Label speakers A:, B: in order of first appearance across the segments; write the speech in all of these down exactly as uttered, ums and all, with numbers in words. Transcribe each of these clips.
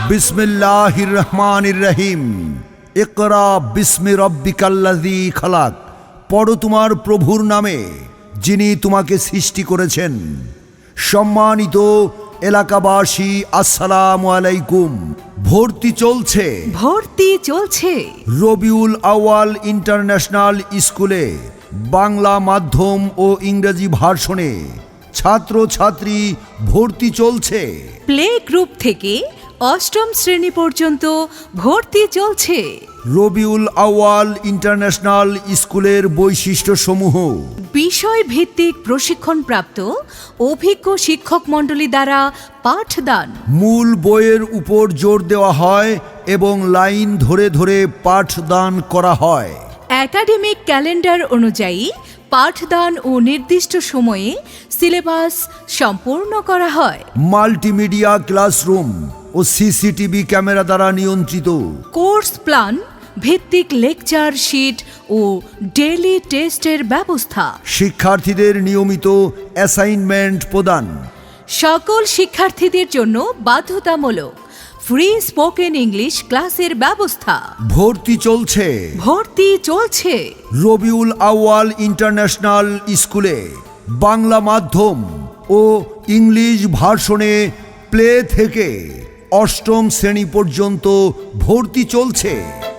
A: বিসমিল্লাহির রহমানির রহিম। ইকরা বিস্মি রব্বিকাল্লাযী খালাক। পড়ো তোমার প্রভুর নামে, যিনি তোমাকে সৃষ্টি করেছেন। সম্মানিত এলাকাবাসী, আসসালামু আলাইকুম। ভর্তি চলছে
B: ভর্তি চলছে
A: রবিউল আউয়াল ইন্টারন্যাশনাল স্কুলে বাংলা মাধ্যম ও ইংরেজি ভার্সনে ছাত্র ছাত্রী ভর্তি চলছে।
B: প্লে গ্রুপ থেকে অষ্টম শ্রেণী পর্যন্ত ভর্তি চলছে।
A: রবিউল আউয়াল ইন্টারন্যাশনাল স্কুলের বৈশিষ্ট্য সমূহ:
B: বিষয় ভিত্তিক প্রশিক্ষণপ্রাপ্ত অভিজ্ঞ শিক্ষক মণ্ডলী দ্বারা পাঠদান।
A: মূল বইয়ের উপর জোর দেওয়া হয় এবং লাইন ধরে ধরে পাঠদান করা হয়।
B: একাডেমিক ক্যালেন্ডার অনুযায়ী পাঠদান ও নির্দিষ্ট সময়ে সিলেবাস সম্পূর্ণ করা হয়।
A: মাল্টিমিডিয়া ক্লাসরুম ও সিসিটিভি ক্যামেরা দ্বারা নিয়ন্ত্রিত।
B: কোর্স প্ল্যান ভিত্তিক লেকচার শিট ও ডেইলি টেস্টের ব্যবস্থা।
A: শিক্ষার্থীদের নিয়মিত অ্যাসাইনমেন্ট প্রদান।
B: সকল শিক্ষার্থীদের জন্য বাধ্যতামূলক ফ্রি স্পোকেন ইংলিশ ক্লাসের ব্যবস্থা।
A: ভর্তি চলছে
B: ভর্তি চলছে
A: রবিউল আউয়াল ইন্টারন্যাশনাল স্কুলে বাংলা মাধ্যম ও ইংলিশ ভার্সনে প্লে থেকে অষ্টম শ্রেণী পর্যন্ত ভর্তি চলছে।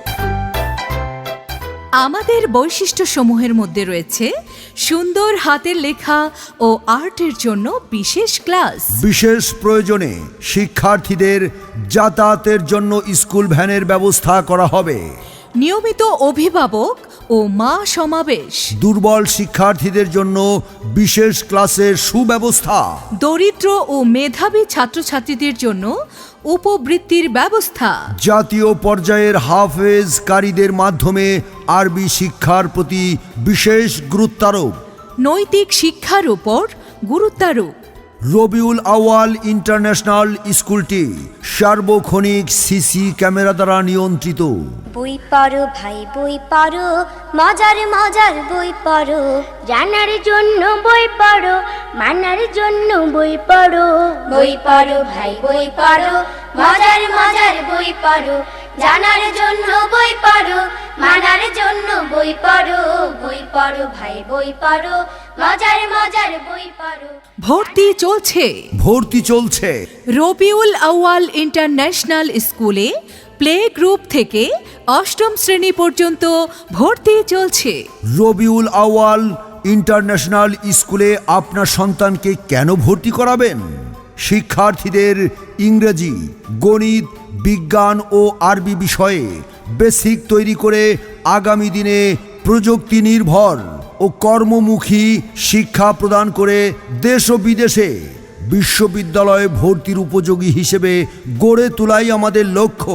B: আমাদের বৈশিষ্ট্য সমূহের মধ্যে রয়েছে সুন্দর হাতের লেখা ও আর্টের জন্য বিশেষ ক্লাস।
A: বিশেষ প্রয়োজনে শিক্ষার্থীদের যাতায়াতের জন্য স্কুল ভ্যানের ব্যবস্থা করা হবে।
B: নিয়মিত অভিভাবক ও মা সমাবেশ।
A: দুর্বল শিক্ষার্থীদের জন্য বিশেষ ক্লাসের সুব্যবস্থা।
B: দরিদ্র ও মেধাবী ছাত্রছাত্রীদের জন্য উপবৃত্তির ব্যবস্থা।
A: জাতীয় পর্যায়ের হাফেজ কারীদের মাধ্যমে আরবি শিক্ষার প্রতি বিশেষ গুরুত্বারোপ।
B: নৈতিক শিক্ষার উপর গুরুত্বারোপ।
A: রবিউল আউয়াল ইন্টারন্যাশনাল স্কুলটি সার্বক্ষণিক সিসি ক্যামেরা দ্বারা নিয়ন্ত্রিত।
C: বই পড়ো ভাই বই পড়ো, মজার মজার বই পড়ো, জানার জন্য বই পড়ো, মানার জন্য বই পড়ো। বই পড়ো ভাই বই পড়ো, মজার মজার বই পড়ো, জানার জন্য বই পড়ো, মানার জন্য বই পড়ো। বই পড়ো ভাই বই পড়ো, মজার মজার বই পড়ো।
B: ভর্তি চলছে
A: ভর্তি চলছে
B: রবিউল আউয়াল ইন্টারন্যাশনাল স্কুলে প্লে গ্রুপ থেকে অষ্টম শ্রেণী পর্যন্ত ভর্তি চলছে।
A: রবিউল আউয়াল ইন্টারন্যাশনাল স্কুলে আপনার সন্তানকে কেন ভর্তি করাবেন? শিক্ষার্থীদের ইংরেজি, গণিত, বিজ্ঞান ও আরবি বিষয়ে বেসিক তৈরি করে আগামী দিনে প্রযুক্তি নির্ভর ও কর্মমুখী শিক্ষা প্রদান করে দেশ ও বিদেশে বিশ্ববিদ্যালয়ে ভর্তির উপযোগী হিসেবে গড়ে তোলাই আমাদের লক্ষ্য।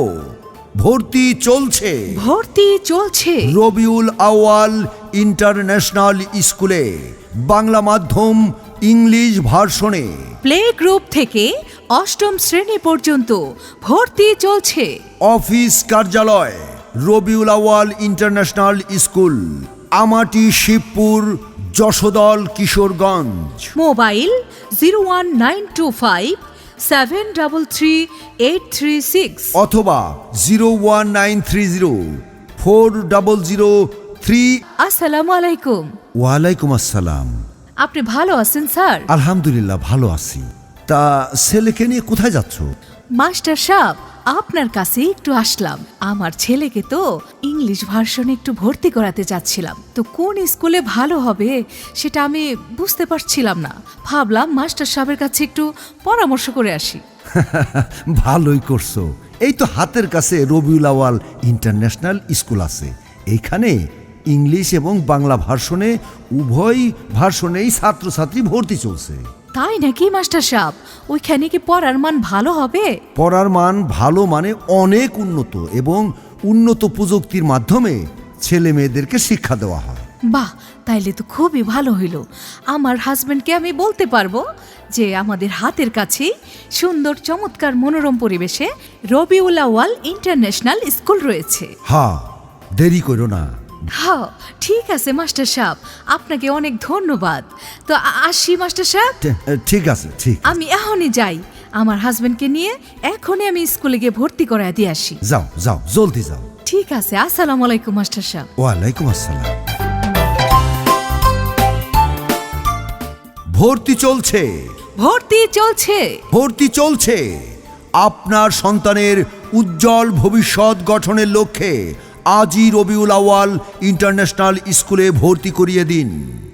A: ভর্তি চলছে
B: ভর্তি চলছে
A: রবিউল আউয়াল ইন্টারন্যাশনাল স্কুলে বাংলা মাধ্যম ইংলিশ ভার্সনে
B: প্লে গ্রুপ থেকে অষ্টম শ্রেণী পর্যন্ত ভর্তি চলছে।
A: অফিস কার্যালয় Rabiul Awal international school, Amati, Shibpur, Jashodal, Kishoreganj.
B: Mobile zero one nine two five seven double three eight three six
A: অথবা zero one nine three zero four double zero three.
B: আসসালামু আলাইকুম।
A: ওয়ালাইকুম আসসালাম।
B: আপনি ভালো আছেন স্যার?
A: আলহামদুলিল্লাহ ভালো আছি। তা ছেলেকে নিয়ে কোথায় যাচ্ছ?
B: মাস্টার সাহেব, আপনার কাছে একটু আসলাম। আমার ছেলেকে তো ইংলিশ ভার্সনে একটু ভর্তি করাতে চাচ্ছিলাম, তো কোন স্কুলে ভালো হবে সেটা আমি বুঝতে পারছিলাম না। ভাবলাম মাস্টার সাহেবের কাছে একটু পরামর্শ করে আসি।
A: ভালোই করছো। এই তো হাতের কাছে রবিউল আউয়াল ইন্টারন্যাশনাল স্কুল আছে। এইখানে ইংলিশ এবং বাংলা ভার্সনে উভয় ভার্সনেই ছাত্রছাত্রী ভর্তি চলছে।
B: তাই নাকি মাস্টার সাহেব? ওইখানে কি পড়ার মান ভালো হবে?
A: পড়ার মান ভালো মানে অনেক উন্নত এবং উন্নত প্রযুক্তির মাধ্যমে ছেলে মেয়েদেরকে শিক্ষা দেওয়া হয়।
B: বাহ, তাইলে তো খুবই ভালো হইল। আমার হাজবেন্ডকে আমি বলতে পারবো যে আমাদের হাতের কাছে সুন্দর চমৎকার মনোরম পরিবেশে রবিউল আউয়াল ইন্টারন্যাশনাল স্কুল রয়েছে।
A: হ্যাঁ, দেরি করো না।
B: হ্যাঁ ঠিক আছে মাস্টার সাহেব, আপনাকে অনেক ধন্যবাদ। তো আ- আসি মাস্টার সাহেব।
A: ঠিক আছে, ঠিক।
B: আমি এখনই যাই, আমার হাজবেন্ডকে নিয়ে এখনই আমি স্কুলে গিয়ে ভর্তি করায় দিয়ে আসি।
A: যাও যাও, জলদি যাও।
B: ঠিক আছে, আসসালামু আলাইকুম মাস্টার সাহেব।
A: ওয়ালাইকুম আসসালাম। ভর্তি চলছে,
B: ভর্তি চলছে।
A: ভর্তি চলছে। আপনার সন্তানের উজ্জ্বল ভবিষ্যৎ গঠনের লক্ষ্যে আজই রবিউল আউয়াল ইন্টারন্যাশনাল স্কুলে ভর্তি করিয়ে দিন।